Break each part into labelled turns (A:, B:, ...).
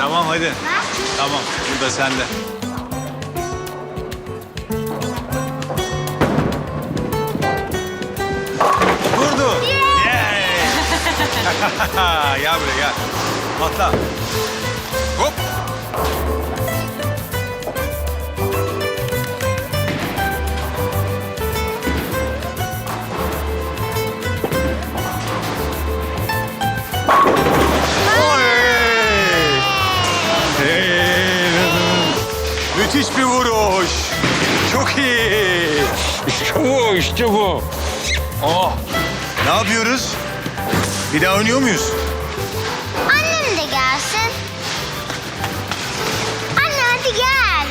A: Tamam hadi.
B: Ha?
A: Tamam, bu da sende. Vurdu. Yay! Gel buraya gel. Atla. Hop. Oley! Hey! Müthiş bir vuruş. Çok iyi.
C: İşte bu, işte bu.
A: Oh. Ne yapıyoruz? Bir daha oynuyor muyuz?
B: Annem de gelsin. Anne hadi gel.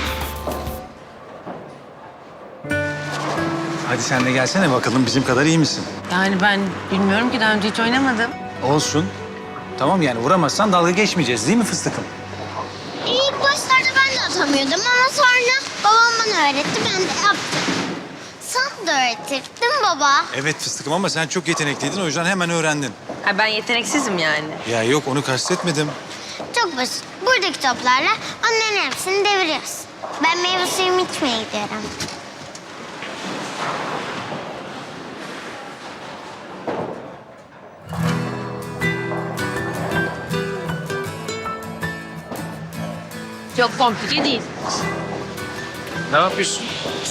A: Hadi sen de gelsene bakalım bizim kadar iyi misin?
D: Yani ben bilmiyorum ki daha önce hiç oynamadım.
A: Olsun. Tamam yani vuramazsan dalga geçmeyeceğiz değil mi fıstıkım?
B: İlk başlarda ben de atamıyordum ama sonra babam bana öğretti, ben de yaptım. Sana da öğretir değil mi baba?
A: Evet fıstıkım ama sen çok yetenekliydin o yüzden hemen öğrendin.
D: Ha, ben yeteneksizim yani.
A: Ya yok onu kastetmedim.
B: Çok basit. Buradaki toplarla onların hepsini deviriyoruz. Ben meyve suyumu içmeye gidiyorum.
D: Çok komplike değil.
A: Ne yapıyorsun?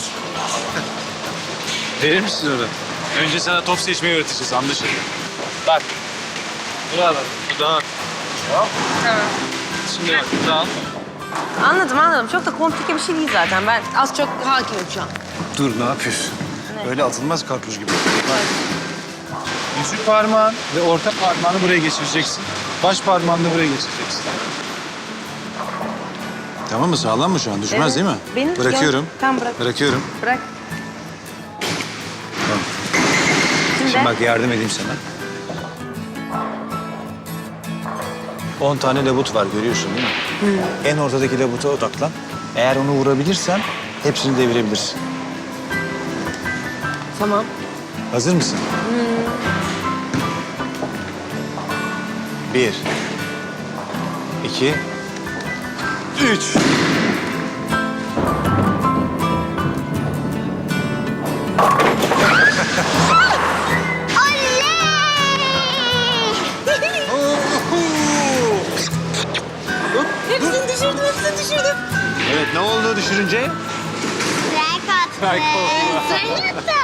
A: Verir misin onu? Önce sana top seçmeyi öğreteceğiz anlaşıldı. Bak. Bunu al. Bu da al. Tamam. Şimdi bak bunu da al.
D: Anladım. Çok da komplike bir şey değil zaten. Ben az çok hakimim şu an.
A: Dur ne yapıyorsun?
D: Ne?
A: Öyle atılmaz karpuz gibi. Bak. Yüzük parmağın ve orta parmağını buraya geçireceksin. Baş parmağını da buraya geçireceksin. Tamam mı? Sağlam mı şu an? Düşmez
D: Evet.
A: değil mi?
D: Benim
A: Bırakıyorum.
D: Tamam bırak.
A: Bırakıyorum.
D: Bırak.
A: Tamam.
D: Şimdi,
A: Şimdi bak yardım edeyim sana. 10 tane labut var görüyorsun değil mi? En ortadaki labuta odaklan. Eğer onu vurabilirsen hepsini devirebilirsin.
D: Tamam.
A: Hazır mısın? 1 2 3
D: Hepsini düşürdüm.
A: Evet ne oldu düşürünce?
B: Strike attı.
A: Strike oldu.
B: Strike attı.